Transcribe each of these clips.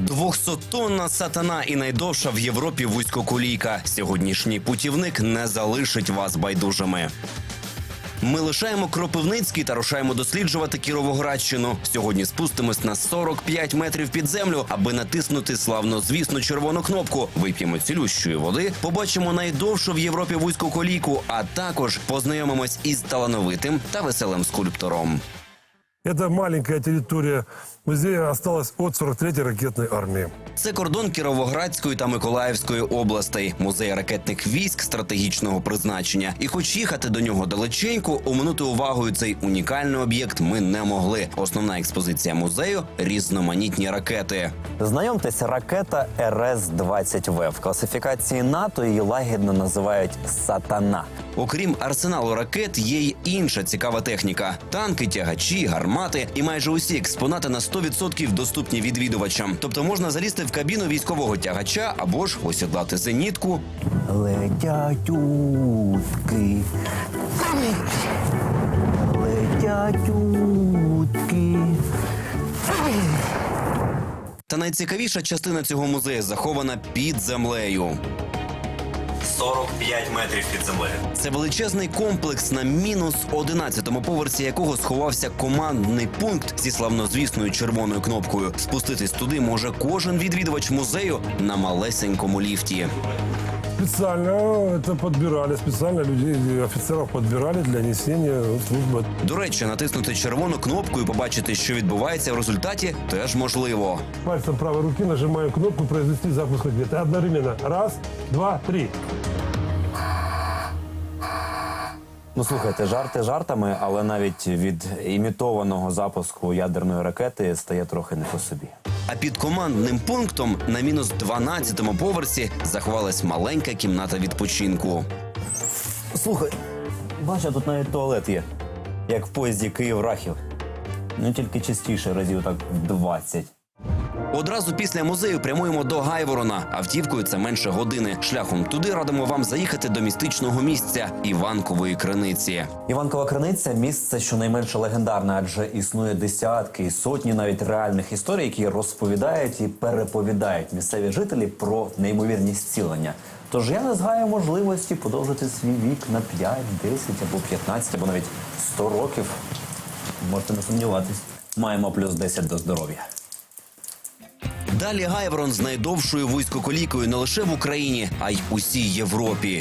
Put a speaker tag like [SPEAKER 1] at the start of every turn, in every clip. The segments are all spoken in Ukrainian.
[SPEAKER 1] 200-тонна сатана і найдовша в Європі вузькоколійка. Сьогоднішній путівник не залишить вас байдужими. Ми лишаємо Кропивницький та рушаємо досліджувати Кіровоградщину. Сьогодні спустимось на 45 метрів під землю, аби натиснути славнозвісну червону кнопку. Вип'ємо цілющої води, побачимо найдовшу в Європі вузькоколійку, а також познайомимось із талановитим та веселим скульптором.
[SPEAKER 2] Это маленькая территория музея осталась от 43-й ракетной армии.
[SPEAKER 1] Це кордон Кіровоградської та Миколаївської областей, музей ракетних військ стратегічного призначення. І хоч їхати до нього далеченько, оминути увагою цей унікальний об'єкт ми не могли. Основна експозиція музею – різноманітні ракети.
[SPEAKER 3] Знайомтеся, ракета РС-20В. В класифікації НАТО її лагідно називають «Сатана».
[SPEAKER 1] Окрім арсеналу ракет, є й інша цікава техніка. Танки, тягачі, гармати і майже усі експонати на 100% доступні відвідувачам. Тобто можна залізти в кабіну військового тягача або ж осідлати зенітку.
[SPEAKER 3] Летять утки. Летять утки.
[SPEAKER 1] Та найцікавіша частина цього музею захована під землею. 45 метрів під землею. Це величезний комплекс на мінус 11-му поверсі, якого сховався командний пункт зі славнозвісною червоною кнопкою. Спуститись туди може кожен відвідувач музею на малесенькому ліфті.
[SPEAKER 2] Специально это подбирали, специально людей, офицеров подбирали для несения службы.
[SPEAKER 1] До речі, натиснути червону кнопку і побачити, що відбувається в результаті, теж можливо.
[SPEAKER 2] Пальцем правой руки нажимаю кнопку «Произвести запуск ракеты». Одновременно. Раз, два, три.
[SPEAKER 3] Ну, слухайте, жарти жартами, але навіть від імітованого запуску ядерної ракети стає трохи не по собі.
[SPEAKER 1] А під командним пунктом на мінус 12-му поверсі заховалась маленька кімната відпочинку.
[SPEAKER 3] Слухай, бачу, тут навіть туалет є. Як в поїзді Київ-Рахів. Ну, тільки частіше, разів так 20.
[SPEAKER 1] Одразу після музею прямуємо до Гайворона. Автівкою це менше години. Шляхом туди радимо вам заїхати до містичного місця – Іванкової криниці.
[SPEAKER 3] Іванкова криниця – місце щонайменше легендарне, адже існує десятки і сотні навіть реальних історій, які розповідають і переповідають місцеві жителі про неймовірні зцілення. Тож я не згаю можливості подовжити свій вік на 5, 10 або 15, або навіть 100 років. Можете не сумніватись. Маємо плюс 10 до здоров'я.
[SPEAKER 1] Далі Гайворон з найдовшою вузькоколійкою не лише в Україні, а й усій Європі.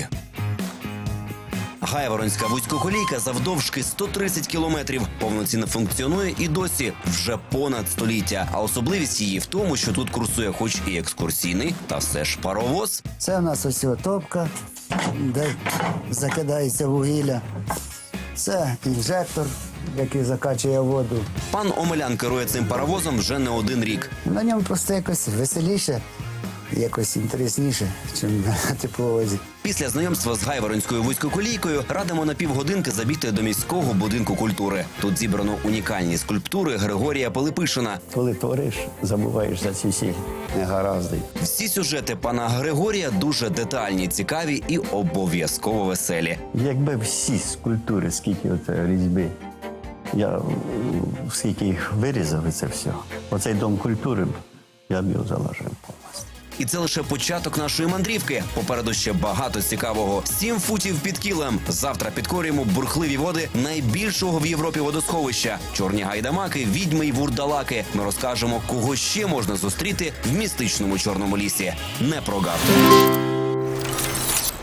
[SPEAKER 1] Гайворонська вузькоколійка завдовжки 130 кілометрів. Повноцінно функціонує і досі вже понад століття. А особливість її в тому, що тут курсує хоч і екскурсійний, та все ж паровоз.
[SPEAKER 4] Це в нас ось топка, де закидається вугілля. Це інжектор, який закачує воду.
[SPEAKER 1] Пан Омелян керує цим паровозом вже не один рік.
[SPEAKER 4] На ньому просто якось веселіше, якось інтересніше, ніж на тепловозі.
[SPEAKER 1] Після знайомства з Гайворонською вузькоколійкою радимо на півгодинки забігти до міського будинку культури. Тут зібрано унікальні скульптури Григорія Пилипишина.
[SPEAKER 5] Коли твориш, забуваєш за ці всі негаразди.
[SPEAKER 1] Всі сюжети пана Григорія дуже детальні, цікаві і обов'язково веселі.
[SPEAKER 5] Якби всі скульптури, скільки різьби, я скільки їх вирізав, і це все. Оцей дом культури, я б його заложив повністю.
[SPEAKER 1] І це лише початок нашої мандрівки. Попереду ще багато цікавого. 7 футів під кілем. Завтра підкорюємо бурхливі води найбільшого в Європі водосховища. Чорні гайдамаки, відьми й вурдалаки. Ми розкажемо, кого ще можна зустріти в містичному Чорному лісі. Не прогавте!